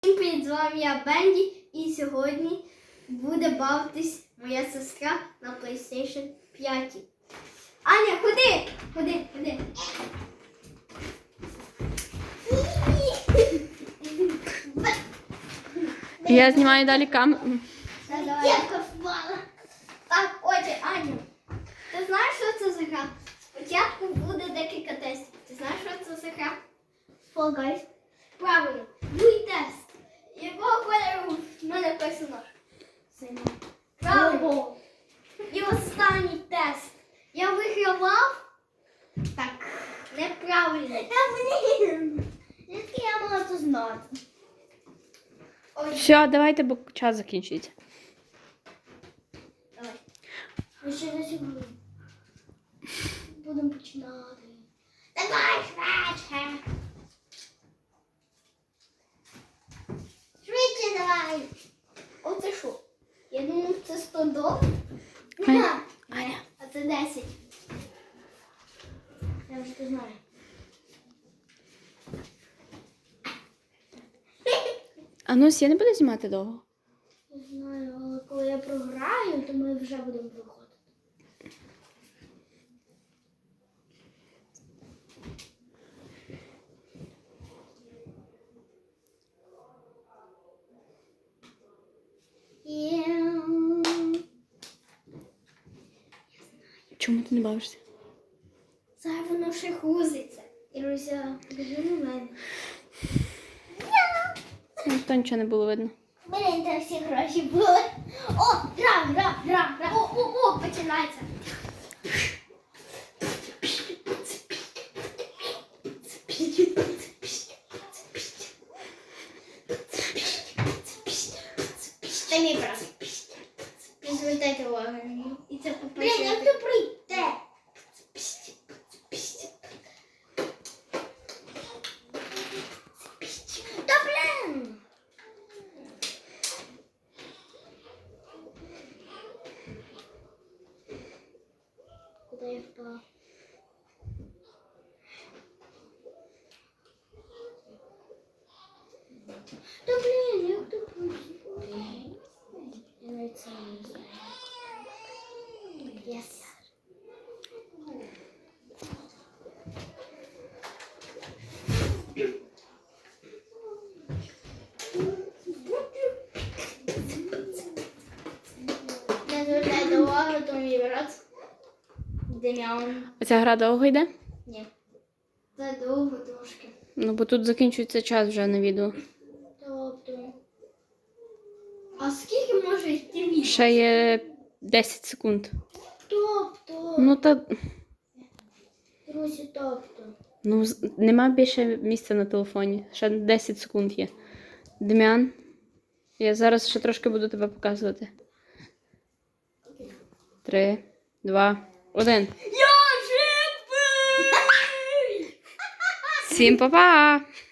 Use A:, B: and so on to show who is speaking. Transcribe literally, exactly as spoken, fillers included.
A: Всім привіт, з вами я Бенді, і сьогодні буде бавитись моя сестра на плейстейшн п'ять. Аня, ходи! Ходи, ходи.
B: Я знімаю далі камеру.
A: Дівка впала. Так, отже, Аню, ти знаєш, що це за гра? Спочатку буде декілька тестів. Ти знаєш, що це за гра? Fall Guys. Правильно. Дуй тест. Якого кольору в мене персонаж? Синій. Правильно. І останній тест. Я вигравав? Так, неправильно. Та блін. Звідки я мала це знати? Ой.
B: Все, давайте, бо час закінчується.
A: Давай. Ми ще не сьогодні. Будемо починати. Давай, швидше. Швидше давай. Оце що? Я думаю, це сто доларів.
B: Аня.
A: Ні, а це десять. Я вже це знаю.
B: А ну, я не буду знімати довго.
A: Не знаю, але коли я програю, то ми вже будемо виходити.
B: Чому ти не бавишся?
A: Зараз воно ще хузиться. Іруся, біжи на мене.
B: Ну, то нічого не було видно.
A: Блін, там всі гроші були. О, гра, гра, гра, гра. О, о, о, починається. Це мій брат. Не звертайте увагу на нього. І це по-перше. Блін, як ти прийде? Та блін! Куда я впала? Да блин, як ти прийшла? Я навіть сама не знаю. Yes. Не звертайте увагу, то мій брат. Дем'ян.
B: Оця гра довго йде?
A: Ні. Це довго трошки.
B: Ну, бо тут закінчується час вже на відео.
A: Тобто. А скільки може йти відео?
B: Ще є десять секунд.
A: Тобто.
B: Ну, та...
A: Друзі, тобто.
B: Ну, з- нема більше місця на телефоні. Ще десять секунд є. Дем'ян, я зараз ще трошки буду тебе показувати. Три, два, один.
A: Я живий!
B: Всім па-па!